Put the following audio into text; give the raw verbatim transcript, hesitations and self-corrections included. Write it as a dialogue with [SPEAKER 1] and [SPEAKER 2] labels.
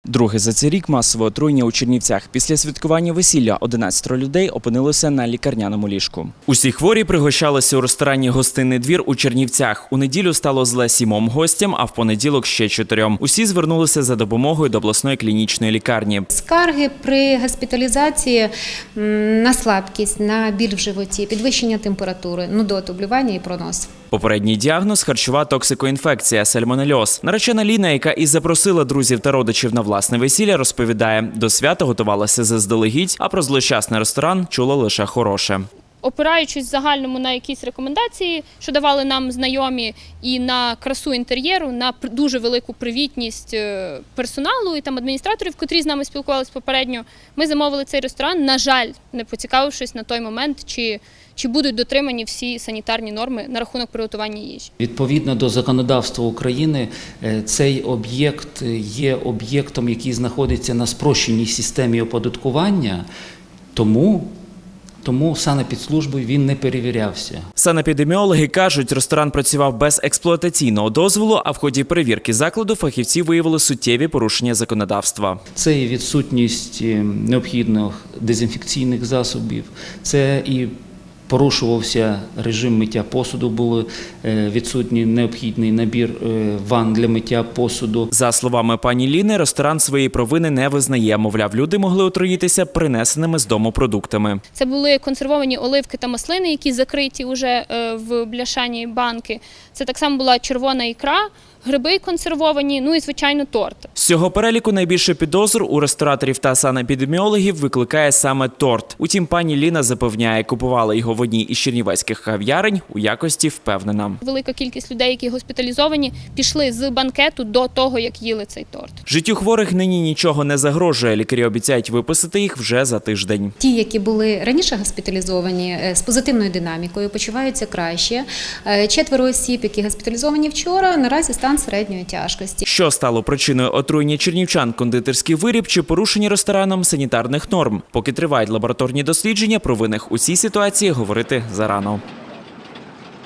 [SPEAKER 1] Друге за цей рік масове отруєння у Чернівцях. Після святкування весілля одинадцять людей опинилося на лікарняному ліжку. Усі хворі пригощалися у ресторані «Гостинний двір» у Чернівцях. У неділю стало зле сімом гостям, а в понеділок ще чотирьом. Усі звернулися за допомогою до обласної клінічної лікарні.
[SPEAKER 2] Скарги при госпіталізації на слабкість, на біль в животі, підвищення температури, нудоту, блювання і пронос.
[SPEAKER 1] Попередній діагноз – харчова токсикоінфекція – сальмонельоз. Наречена Ліна, яка і запросила друзів та родичів на власне весілля, розповідає, до свята готувалася заздалегідь, а про злощасний ресторан чула лише хороше.
[SPEAKER 3] Опираючись в загальному на якісь рекомендації, що давали нам знайомі, і на красу інтер'єру, на дуже велику привітність персоналу і там адміністраторів, котрі з нами спілкувалися попередньо, ми замовили цей ресторан, на жаль, не поцікавившись на той момент, чи, чи будуть дотримані всі санітарні норми на рахунок приготування їжі.
[SPEAKER 4] Відповідно до законодавства України, цей об'єкт є об'єктом, який знаходиться на спрощеній системі оподаткування, тому Тому санепідслужбою він не перевірявся.
[SPEAKER 1] Санепідеміологи кажуть, ресторан працював без експлуатаційного дозволу, а в ході перевірки закладу фахівці виявили суттєві порушення законодавства.
[SPEAKER 4] Це і відсутність необхідних дезінфекційних засобів, це і порушувався режим миття посуду, був відсутній необхідний набір ванн для миття посуду.
[SPEAKER 1] За словами пані Ліни, ресторан своєї провини не визнає. Мовляв, люди могли отруїтися принесеними з дому продуктами.
[SPEAKER 3] Це були консервовані оливки та маслини, які закриті вже в бляшані банки. Це так само була червона ікра, гриби консервовані, ну і, звичайно, торт.
[SPEAKER 1] З цього переліку найбільше підозр у рестораторів та санепідеміологів викликає саме торт. Утім, пані Ліна запевняє, купувала його в одній із чернівецьких кав'ярень, у якості впевнена.
[SPEAKER 3] Велика кількість людей, які госпіталізовані, пішли з банкету до того, як їли цей торт.
[SPEAKER 1] Життю хворих нині нічого не загрожує. Лікарі обіцяють виписати їх вже за тиждень.
[SPEAKER 2] Ті, які були раніше госпіталізовані з позитивною динамікою, почуваються краще. Четверо осіб, які госпіталізовані вчора, наразі стан середньої тяжкості.
[SPEAKER 1] Що стало причиною отруєння чернівчан, кондитерський виріб чи порушення рестораном санітарних норм? Поки тривають лабораторні дослідження, про винних у цій ситуації говорити зарано.